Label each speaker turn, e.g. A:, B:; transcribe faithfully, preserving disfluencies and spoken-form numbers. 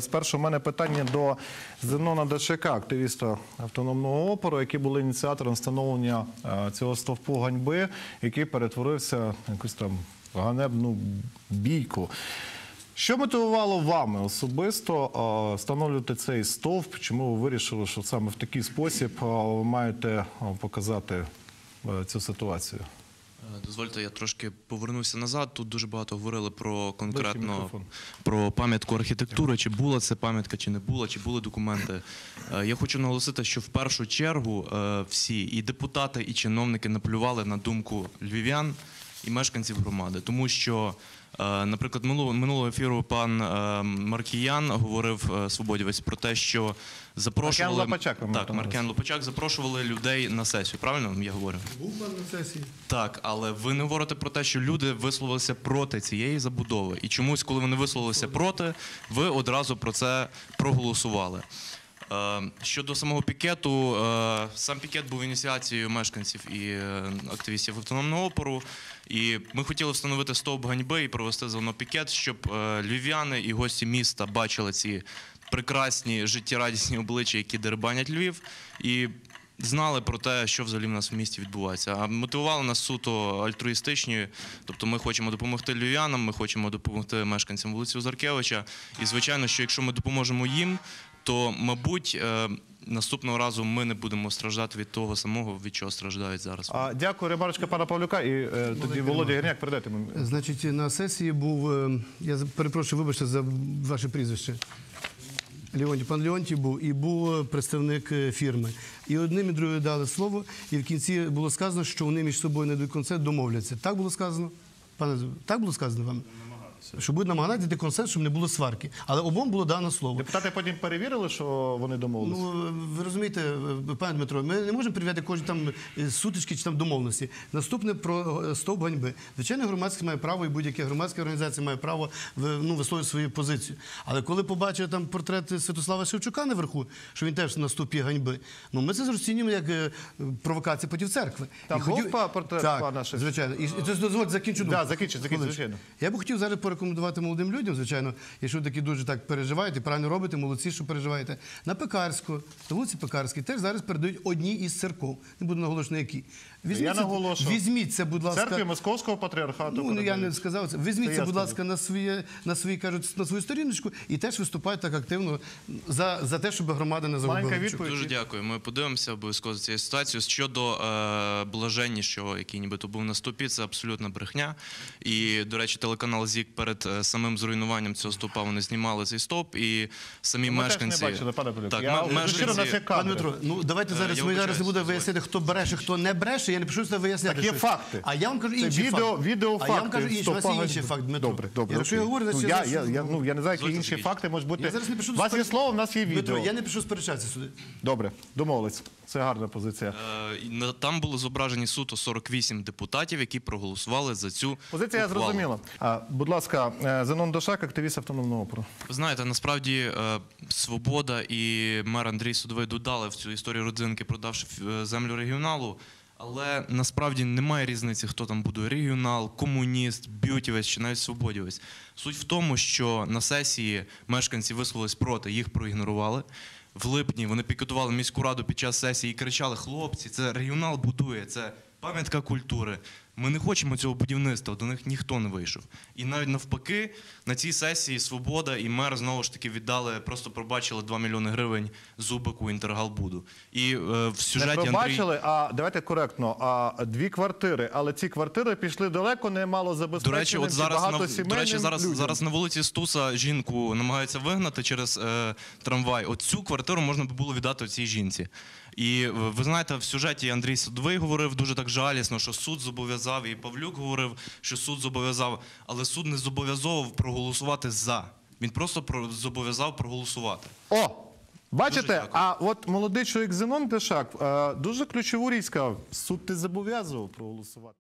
A: Спершу у мене питання до Зенона Дашака, активіста автономного опору, який був ініціатором встановлення цього стовпу ганьби, який перетворився на якусь там ганебну бійку. Що мотивувало вами особисто встановлювати цей стовп? Чому ви вирішили, що саме в такий спосіб ви маєте показати цю ситуацію?
B: Дозвольте, я трошки повернуся назад. Тут дуже багато говорили про конкретно про пам'ятку архітектури, чи була це пам'ятка, чи не була, чи були документи. Я хочу наголосити, що в першу чергу всі, і депутати, і чиновники наплювали на думку львів'ян і мешканців громади. Тому що, наприклад, минулого ефіру пан Маркіян говорив, свободівець, про те, що запрошували...
A: Маркіян Лопачак.
B: Так, Маркіян Лопачак запрошували людей на сесію. Правильно я говорю?
C: Був пан на сесії.
B: Так, але ви не говорите про те, що люди висловилися проти цієї забудови. І чомусь, коли вони висловилися проти, ви одразу про це проголосували. Щодо самого пікету, сам пікет був ініціацією мешканців і активістів автономного опору. І ми хотіли встановити стовп ганьби і провести заодно пікет, щоб львів'яни і гості міста бачили ці прекрасні, життєрадісні обличчя, які дерибанять Львів, і знали про те, що взагалі в нас в місті відбувається. А мотивували нас суто альтруїстичні, тобто ми хочемо допомогти львів'янам, ми хочемо допомогти мешканцям вулиці Озаркевича. І, звичайно, що якщо ми допоможемо їм, то, мабуть, наступного разу ми не будемо страждати від того самого, від чого страждають зараз.
A: А, дякую, ремарочка пана Павлюка, і е, тоді Володя Гірняк, передайте мені.
C: Значить, на сесії був, я перепрошую, вибачте за ваше прізвище, Леонтій, пан Леонтій був, і був представник фірми. І одним і другим дали слово, і в кінці було сказано, що вони між собою не до кінця домовляться. Так було сказано? Пане, так було сказано вам? Що будуть намагатися знайти консенсус, щоб не було сварки. Але обом було дано слово.
A: Депутати потім перевірили, що вони домовилися?
C: Ну, ви розумієте, пане Дмитро, ми не можемо перевіряти кожні там сутички чи там домовленості. Наступне про стовп ганьби. Звичайно, громадськість має право, і будь-яка громадська організація має право ну, висловити свою позицію. Але коли побачили там портрет Святослава Шевчука наверху, що він теж на стовпі ганьби, ну ми це розцінюємо як провокація проти церкви.
A: Там був хотів... портрет
C: так,
A: пана Шевчука?
C: Звичайно. І це дозвольте закінчу думку.
A: Так, закінчу, закінчу, звичайно.
C: Я б хотів зараз порекомендувати молодим людям, звичайно, якщо такі дуже так переживаєте, правильно робите, молодці, що переживаєте, на Пекарську, на вулиці Пекарській теж зараз передають одні із церков. Не буду наголошувати, які.
A: Я наголошую.
C: Візьміть це, будь ласка.
A: Церкві Московського патріархату.
C: Ну, я не сказав це. Візьміть це, будь ласка, на свої, на свої, кажуть, на свою сторіночку і теж виступайте так активно за, за те, щоб громада не загубила.
B: Дуже дякую. Ми подивимося обов'язково за цією ситуацією. Щодо е, блаженнішого, який нібито був на стовпі, це абсолютна брехня. І, до речі, телеканал ЗІК перед самим зруйнуванням цього стовпа вони знімали цей стовп, і самі
A: ми
B: мешканці...
A: Ми теж не бачили, пане Павлюк.
B: Так,
A: я
B: мешканці...
C: Пане Дмитро, ну давайте зараз, ми зараз не будемо виясняти, хто бреше, хто не бреше, я не пишу це виясняти.
A: Так є факти.
C: А я вам кажу інший
A: це відео,
C: факт.
A: Відеофакти.
C: А я вам кажу інший, у вас є інший факт, Дмитро.
A: Добре, добре.
C: Якщо я говорю,
A: ну,
C: значить...
A: я,
C: Я,
A: я, я, ну, я не знаю, які інші факти можуть бути.
C: Я зараз не пишу...
A: У вас є слово, в нас є відео.
C: Дмитро, я не пишу сперечатися сюди.
A: Добре, домовились. Це гарна позиція.
B: Е, там були зображені суто сорок вісім депутатів, які проголосували за цю
A: позиція я зрозуміла. А, будь ласка, Зенон Дашак, активіст автономного опору.
B: Ви знаєте, насправді е, Свобода і мер Андрій Судовий додали в цю історію родзинки, продавши землю регіоналу. Але насправді немає різниці, хто там будує: регіонал, комуніст, б'ютівець чи навіть свободівець. Суть в тому, що на сесії мешканці висловились проти, їх проігнорували. В липні вони пікетували міську раду під час сесії і кричали: хлопці, це регіонал будує, це пам'ятка культури. Ми не хочемо цього будівництва, до них ніхто не вийшов. І навіть навпаки, на цій сесії Свобода і мер знову ж таки віддали, просто пробачили два мільйони гривень Зубику Інтергалбуду. І е, в сюжеті
A: не пробачили,
B: Андрій...
A: а давайте коректно, а дві квартири, але ці квартири пішли далеко, не мало забезпеченим,
B: до речі, от зараз, на, до речі, зараз,
A: людям.
B: зараз на вулиці Стуса жінку намагаються вигнати через е, трамвай. От цю квартиру можна би було віддати цій жінці. І ви знаєте, в сюжеті Андрій Судовий говорив дуже так жалісно, що суд зобов'язав, і Павлюк говорив, що суд зобов'язав, але суд не зобов'язував проголосувати «за». Він просто зобов'язав проголосувати.
A: О! Бачите, а от молодий чоловік Зенон Дашак дуже ключову річ сказав: суд не зобов'язував проголосувати.